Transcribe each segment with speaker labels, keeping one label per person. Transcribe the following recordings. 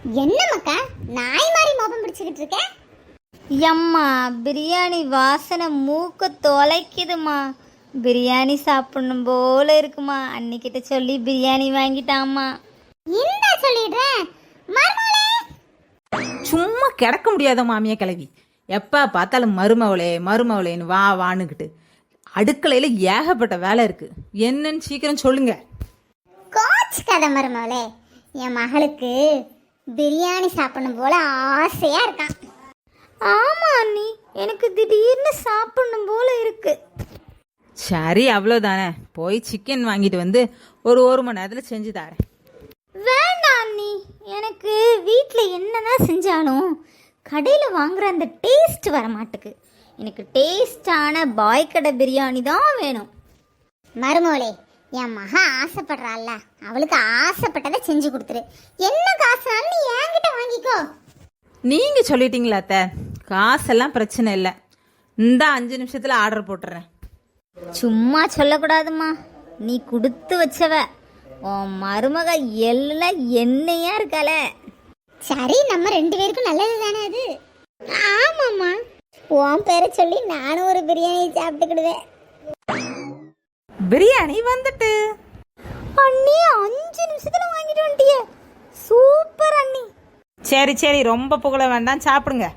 Speaker 1: என்ன மக்கா நாய் மாதிரி மோபம் பிடிச்சிக்கிட்டு இருக்க?
Speaker 2: எம்மா பிரியாணி வாசனை மூக்க தொலைக்குதுமா. பிரியாணி சாப்பிடணும் போல இருக்குமா. அன்னிக்கிட்ட சொல்லி பிரியாணி வாங்கிட்டாம்மா.
Speaker 1: இந்த சொல்லிடுறேன் மருமகளே.
Speaker 3: சும்மா கிடக்க முடியாத மாமியா கிளவி. எப்போ பார்த்தாலும் மருமவளே மருமவளேன்னு வா வானுக்கிட்டு. அடுக்கலையில் ஏகப்பட்ட வேலை இருக்குது. என்னன்னு சீக்கிரம் சொல்லுங்க.
Speaker 1: கோச் கதை மருமகளே, என் மகளுக்கு பிரியாணி சாப்பிடணும் போல ஆசையா இருக்கான்.
Speaker 2: ஆமா அண்ணி, எனக்கு திடீர்னு சாப்பிடணும் போல இருக்கு.
Speaker 3: சரி அவ்வளோதானே, போய் சிக்கன் வாங்கிட்டு வந்து ஒரு மணி நேரத்தில் செஞ்சு தரேன்.
Speaker 2: வேண்டாம் அண்ணி, எனக்கு வீட்டில் என்னதான் செஞ்சாலும் கடையில் வாங்குற அந்த டேஸ்ட் வர மாட்டுக்கு. எனக்கு டேஸ்டான பாய் கடை பிரியாணி தான் வேணும்.
Speaker 1: மருமகளே, என் மக ஆசைப்படுறாள்ல, அவளுக்கு ஆசைப்பட்டதை செஞ்சு கொடுத்துரு. என்ன காசுனாலும் நீ என்கிட்ட வாங்கிக்கோ.
Speaker 3: நீங்கள் சொல்லிட்டீங்களா அத்தை, காசெல்லாம் பிரச்சனை இல்லை. இந்த 5 நிமிஷத்தில் ஆர்டர் போட்டுறேன்.
Speaker 2: சும்மா சொல்லக்கூடாதுமா, நீ கொடுத்து வச்சவ. உன் மருமக எல்லாம் என்னையா இருக்கால.
Speaker 1: சரி, நம்ம 2 பேருக்கும் நல்லது தானே அது. ஆமாம்மா, உன் பேரை சொல்லி நானும் ஒரு பிரியாணி சாப்பிட்டுக்கிடுவேன்.
Speaker 3: பிரியாணி வந்துட்டு
Speaker 2: அண்ணி 5 நிமிஷத்துல வாங்கிட்டு வந்துட்டிய. சூப்பர் அண்ணி.
Speaker 3: சரி சரி, ரொம்ப புகழ வேண்டாம், சாப்பிடுங்க.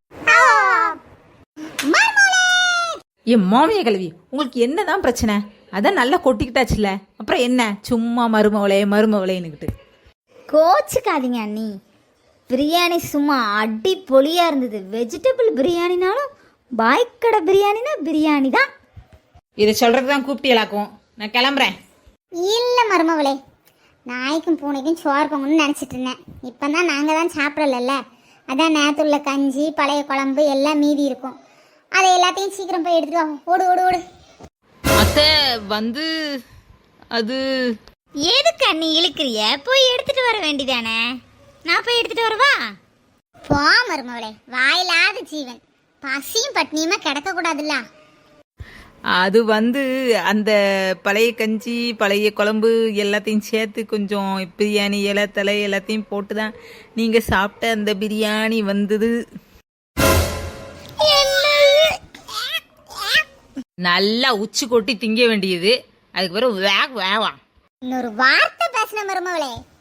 Speaker 3: என் மாமிய கல்வி, உங்களுக்கு என்னதான் பிரச்சனை? அதான் நல்லா கொட்டிக்கிட்டாச்சுல, அப்புறம் என்ன சும்மா மருமவளே மருமவளேன்னுக்கிட்டு.
Speaker 2: கோச்சுக்காதீங்க அண்ணி, பிரியாணி சும்மா அடி பொலியா இருந்தது. வெஜிடபிள் பிரியாணினாலும் பாய்க்கடை பிரியாணினா பிரியாணி தான்.
Speaker 3: இதை சொல்றது தான் கூப்பிட்டீங்களாக்கும். நான் கிளம்புறேன்.
Speaker 1: இல்லை மருமவளே, நாய்க்கும் பூனைக்கும் சோறு பொங்கணும்னு நினச்சிட்டு இருந்தேன். இப்போ தான் நாங்கள் தான் சாப்பிடல. அதான் நேரத்துள்ள கஞ்சி பழைய குழம்பு எல்லாம் மீதி இருக்கும். அதை எல்லாத்தையும் சீக்கிரம் போய் எடுத்துட்டு வா. ஓடு ஓடு ஓடு.
Speaker 3: அத்தை வந்து அது
Speaker 2: எதுக்கு அண்ணி இழுக்கிறிய? போய் எடுத்துட்டு வர வேண்டிதானே. நான் போய் எடுத்துட்டு வரவா?
Speaker 1: போ மருமவளே, வாயிலாத ஜீவன், பசியும் பட்னியுமா கிடக்க கூடாதுல்ல.
Speaker 3: அது வந்து அந்த பழைய கஞ்சி பழைய குழம்பு எல்லாத்தையும் சேர்த்து கொஞ்சம் பிரியாணி இலை தலை எல்லாத்தையும் போட்டு தான் நீங்கள் சாப்பிட்ட அந்த பிரியாணி வந்தது. நல்லா உச்சி கொட்டி திங்க வேண்டியது. அதுக்கு பிறகு வேவாம்.
Speaker 1: இன்னொரு வார்த்தை பேசின மருமவளே,